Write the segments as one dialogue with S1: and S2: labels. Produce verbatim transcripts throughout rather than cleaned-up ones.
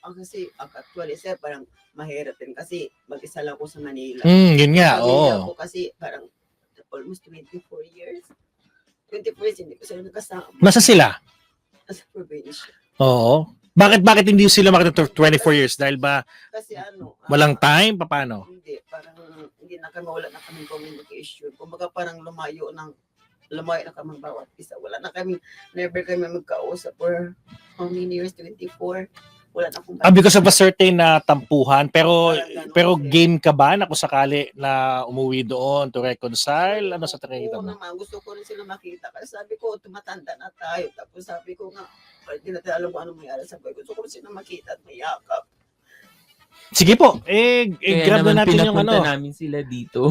S1: ang kasi ang actually sir parang mahirap din kasi mag-isa lang ako sa Manila.
S2: Mm, yun nga,
S1: Pamilya
S2: oo.
S1: ko kasi parang almost twenty-four years. twenty-four years hindi ko sila nakasama.
S2: Nasa sila?
S1: Sa probinsya.
S2: Oo. Bakit bakit hindi sila makita twenty-four years? Dahil ba
S1: Kasi ano, ah,
S2: walang time? Paano?
S1: hindi, parang hindi na kami, wala na kaming communication. Kumbaga parang lumayo ng lumayo na kami bawat isa. Wala na kami, never kami magkausap for how many years? twenty-four. Wala na akong
S2: Ah, because of a certain na tampuhan, pero
S1: Parang ganun,
S2: pero
S1: sir.
S2: game ka ba na kung sakali na umuwi doon to reconcile? Ano sa tingin
S1: Oo
S2: mo?
S1: naman, gusto ko rin sila makita. Kasi sabi ko, tumatanda na tayo. Tapos sabi ko nga, kahit hindi natin alam kung ano mayari sa buhay. Gusto ko rin sila makita at mayakap.
S2: Sige po, eh, eh
S3: Kaya
S2: grab
S3: naman
S2: na natin yung
S3: pinapunta
S2: ano.
S3: namin sila dito.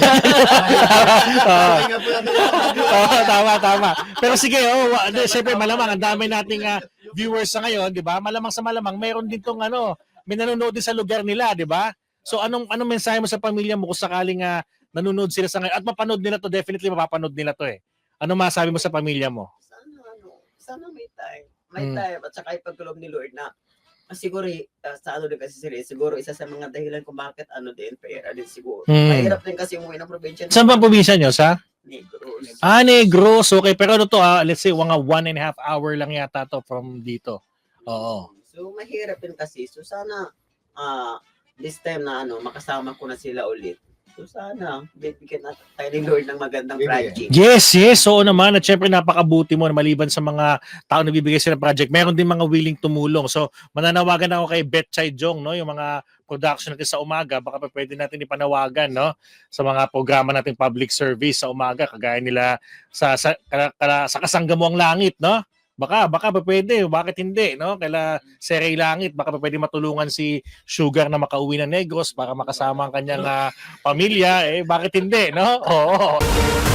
S2: Oo.
S1: Kaya po natin
S2: Oo, tama, tama. Pero sige, oh, wa- di, syempre malamang ang dami nating ah, viewers sa ngayon, 'di ba? Malamang sa malamang mayroon din tong ano, may nanonood din sa lugar nila, 'di ba? So anong anong mensahe mo sa pamilya mo kung sakaling uh, nanonood sila sa ngayon at mapanood nila to, definitely mapapanood nila to eh. Ano masabi mo sa pamilya mo?
S1: sana ano, sana may time. May
S2: Mm.
S1: time at saka ipagkulob ni Lord na ah, siguro uh, sa ano din kasi sila, eh, siguro isa sa mga dahilan kung bakit ano din, pera din siguro.
S2: Mm.
S1: Mahirap din kasi umuwi ng probinsya.
S2: Saan ba ang probinsya nyo? Sa?
S1: Negros.
S2: Ah, Negros. Okay, pero ano to ah, let's say mga one and a half hour lang yata to from dito. Oo.
S1: So mahirap din kasi. So sana ah this time na ano, makasama ko na sila ulit. So sana bibigyan natin tayo ni Lord ng magandang
S4: Bibigyan.
S1: project.
S2: Yes, yes. Oo naman. At syempre napakabuti mo na maliban sa mga tao na bibigay sila ng project. Meron din mga willing tumulong. So mananawagan ako kay Betchay Jong, no? Yung mga production natin sa umaga, baka pa pwede natin ipanawagan, no? Sa mga programa nating public service sa umaga, kagaya nila sa sa, kala, kala, sa Kasangga Mo Ang Langit, no? Baka, baka pa pwede. Bakit hindi, no? Kaila Seray Langit, baka pa pwede matulungan si Sugar na makauwi ng Negros para makasama ang kanyang ah, pamilya. Eh, bakit hindi, no? Oo.